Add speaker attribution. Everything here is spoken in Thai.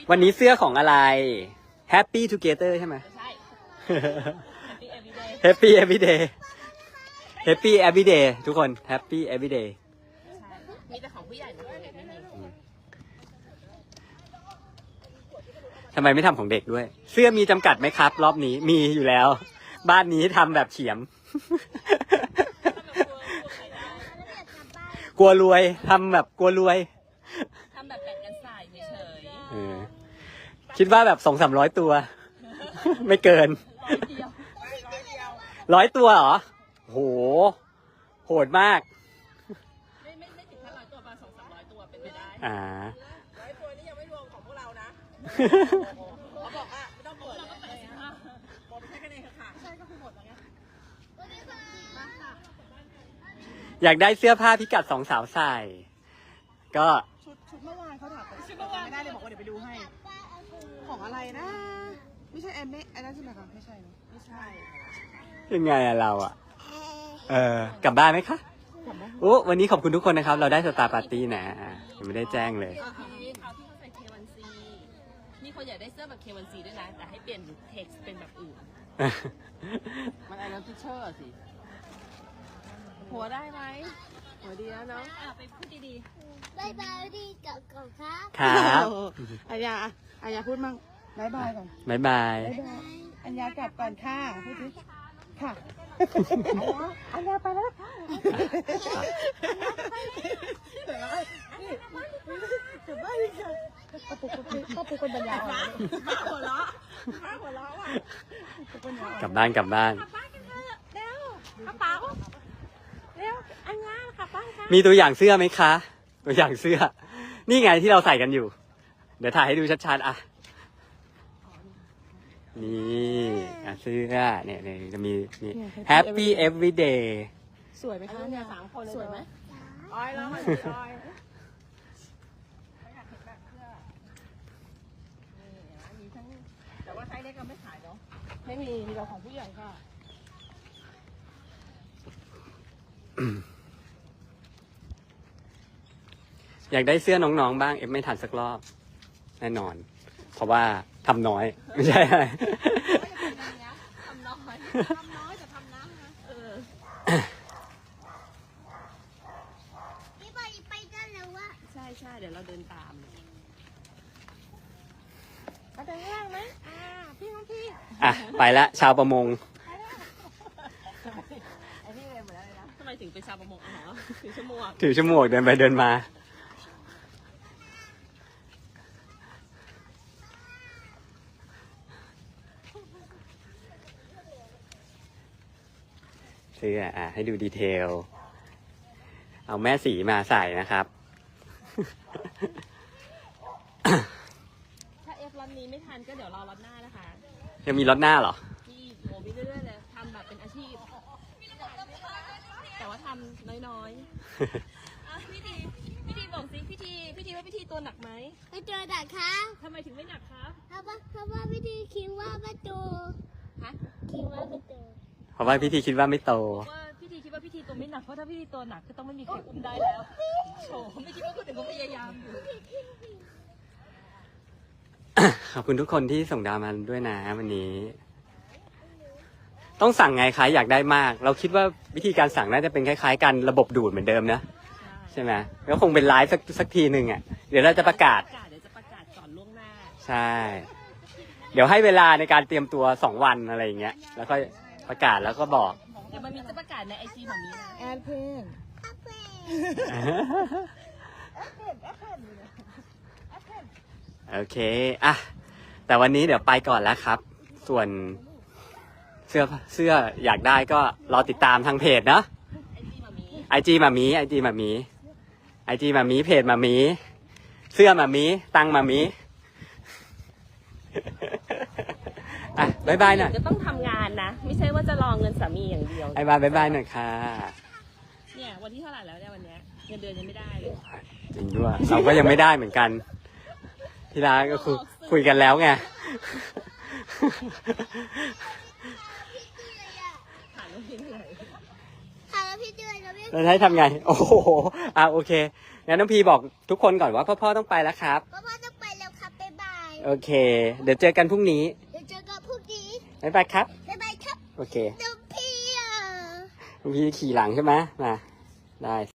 Speaker 1: วันนี้เสื้อของอะไร Happy Together ใช่ไหม
Speaker 2: ใช่
Speaker 1: Happy Everyday Happy Everyday ทุกคน Happy Everyday
Speaker 2: มีแต่ของผู้ใหญ่นะของเด็กไม่มี
Speaker 1: ทำไมไม่ทำของเด็กด้วย เสื้อมีจำกัดไหมครับ รอบนี้มีอยู่แล้ว บ้านนี้ทำแบบเฉียม กลัวรวยทำแบบกลัวรวย
Speaker 2: ทำแบบแบ่งกันใส่เฉย
Speaker 1: คิดว่าแบบ200-300 ตัว ไม่เกิน
Speaker 2: ๆเดียว
Speaker 1: 100 ตัวเหรอโหโหดมาก
Speaker 2: ไม่ถึงแค่100 ตัวประมาณ200-300 ตัวเป็นไปได้
Speaker 3: 100 ตัวนี่ยังไม่รวมของพวกเรานะเขาบอกว่าไม่ต้องเปิด
Speaker 2: เราก็85
Speaker 3: หมดแค่คะแนนค่ะใช่ก็คือหมดแล้วไง
Speaker 1: อยากได้เสื้อผ้าพิกัด2 สาวใส่ ก็
Speaker 3: ชุดเมื่อวานเขาถามชุดเมื่อวานไม่ได้เลยบอกว่าเดี๋ยวไปดูให้ ของอะไรนะ ไม่ใช่แอมไม่อันนั้นใช่ไหมคะไม่ใช่เนอะไม่ใช่
Speaker 1: ยังไงอะเราอะกลับบ้านไหมคะโอ้วันนี้ขอบคุณทุกคนนะครับ เราได้สตาร์ปาร์ตี้นะยังไม่ได้แจ้งเลย
Speaker 2: เอาที่เขาใส่ K1C มีคนอยากได้เสื้อแบบ K1C ด้วยนะแต่ให้เปลี่ยน text เป็นแบบอื่นมันไอ้น้ำพิเชอร์สิ หัวได้ไหมหัวดีแล้วเนาะไปพูดดี
Speaker 4: บายบายดีกับกับครับ
Speaker 1: ครับ
Speaker 3: อัญญาพูดมั่งบายบายก่อน
Speaker 1: บ๊ายบาย
Speaker 3: บายบายอัญญากลับก่อนค่ะพูดสิค่ะอัญญาไปแล้วค่ะเดี๋ยวนี่กลับบ้านค่ะป้าปุ๊กคนปัญญาอ่อนหัวเราะว่ะ
Speaker 1: กลับบ้าน
Speaker 2: ๆเร็วกระเป๋าเร็วอันนี้ค่ะป้าค่ะ
Speaker 1: มีตัวอย่างเสื้อไหมคะ ตัวอย่างเสื้อ นี่ไงที่เราใส่กันอยู่ เดี๋ยวถ่ายให้ดูชัดๆอ่ะ นี่เสื้อเนี่ยจะมีนี่ Happy Everyday
Speaker 3: สวยไหมคะเนี่ย3 คนสวยไหมอ้อยแล้วมันอ้อยมีทั้งแต่ว่าไซส์เล็กก็ไม่ขายเนาะไม่มีเราของผู้ใหญ่ค่ะ
Speaker 1: อยากได้เสื้อน้องๆบ้างเอฟไม่ทันสักรอบแน่นอน เพราะว่าทำน้อย ไม่ใช่อะไร
Speaker 2: ทำน้อยแต่ทำน้ำนะ
Speaker 4: พี่บอยไปกันแล้ววะ
Speaker 2: ใช่เดี๋ยวเราเดินตาม
Speaker 3: มาเดินข้างล่างไหมพี่น้องพี่
Speaker 1: อ่ะ ไปละชาวประมง
Speaker 3: ไอ้นี่เลยหมดแล้วเลยนะ
Speaker 2: ทำไมถึงเป็นชาวประมงเหรอถึงชั่วโมง
Speaker 1: ถือชั่วโมงเดินไปเดินมา เสื้อให้ดูดีเทล เอาแม่สีมาใส่นะครับ
Speaker 2: ถ้าเอฟล็อตนี้ไม่ทันก็เดี๋ยวรอล็อตหน้านะคะ
Speaker 1: ยังมีรถหน้าเหรอ
Speaker 2: ที่โมบิเรื่อยๆเลยทำแบบเป็นอาชีพ แต่ว่าทำน้อยๆพี่ทีบอกสิพี่ทีว่าพี่ทีตัวหนักไหม
Speaker 4: ไปเจอดักครับ
Speaker 2: ทำไมถึงไม่หนักครับ
Speaker 4: เพราะว่าพี่ดีคิดว่าประตู
Speaker 2: ฮะ
Speaker 4: คิดว่าประตู
Speaker 1: เพราะว่าพี่ทีคิดว่าไม่โต
Speaker 2: ว่าพี่ทีคิดว่าพี่ทีตัวไม่หนักเพราะถ้าพี่ทีตัวหนักก็ต้องไม่มีใครอุ้มได้แล้วโถไม่คิดว่าคนอื่นเขาพยายามอยู่
Speaker 1: ขอบคุณทุกคนที่ส่งดาวมาด้วยนะวันนี้ ต้องสั่งไงคะอยากได้มาก เราคิดว่าวิธีการสั่งน่าจะเป็นคล้ายๆกันระบบดูดเหมือนเดิมนะใช่ไหมก็คงเป็นไลฟ์สักทีหนึ่งอ่ะเดี๋ยวเราจะประกาศ
Speaker 2: เดี๋ยวจะประกาศก่อนล่วงหน้า
Speaker 1: ใช่ เดี๋ยวให้เวลาในการเตรียมตัว2 วันอะไรอย่างเงี้ยแล้วก็ประกาศแล้วก็บอก
Speaker 2: เดี๋ยวมันมีจะประกาศในไอจีแบบนี้นะ
Speaker 3: แอดเพน
Speaker 1: โอเคอ่ะแต่วันนี้เดี๋ยวไปก่อนแล้วครับ ส่วนเสื้ออยากได้ก็รอติดตามทางเพจเนาะ
Speaker 2: ไอจีแบบนี้
Speaker 1: ไอจีมามีเพจมามีเสื้อมามีตังมามีอ่ะบายบายหน่อย
Speaker 2: จะต้องทำงานนะ ไม่ใช่ว่าจะรอเงินสามีอย่างเดียว
Speaker 1: บายบายหน่อยค่ะ
Speaker 2: เนี่ยวันที่เท่าไหร่แล้วเนี่ยวันเนี้ยเงินเดือนยังไม่ได้เลย
Speaker 1: จริงด้วยเราก็ยังไม่ได้เหมือนกัน ที่ร้านก็คุยกันแล้วไง
Speaker 2: ผ่านแล้วพี่เหนื่อย
Speaker 4: ค่ะแล้วพี่ด้วยแล้วพี่
Speaker 1: แล้วให้ทำไง โอ้โหโอเคงั้นน้องพีบอกทุกคนก่อนว่าพ่อต้องไปแล้วครับ
Speaker 4: พ่อต้องไปแล้วครับบ๊ายบาย
Speaker 1: โอเค เดี๋ยวเจอกันพรุ่งนี้
Speaker 4: เดี๋ยวเจอกันพรุ่งนี้
Speaker 1: บ๊ายบายครับ
Speaker 4: บ๊ายบายครับ
Speaker 1: โอเค
Speaker 4: น้องพี่อ่ะ
Speaker 1: พี่ขี่หลังใช่ไหมมา ได้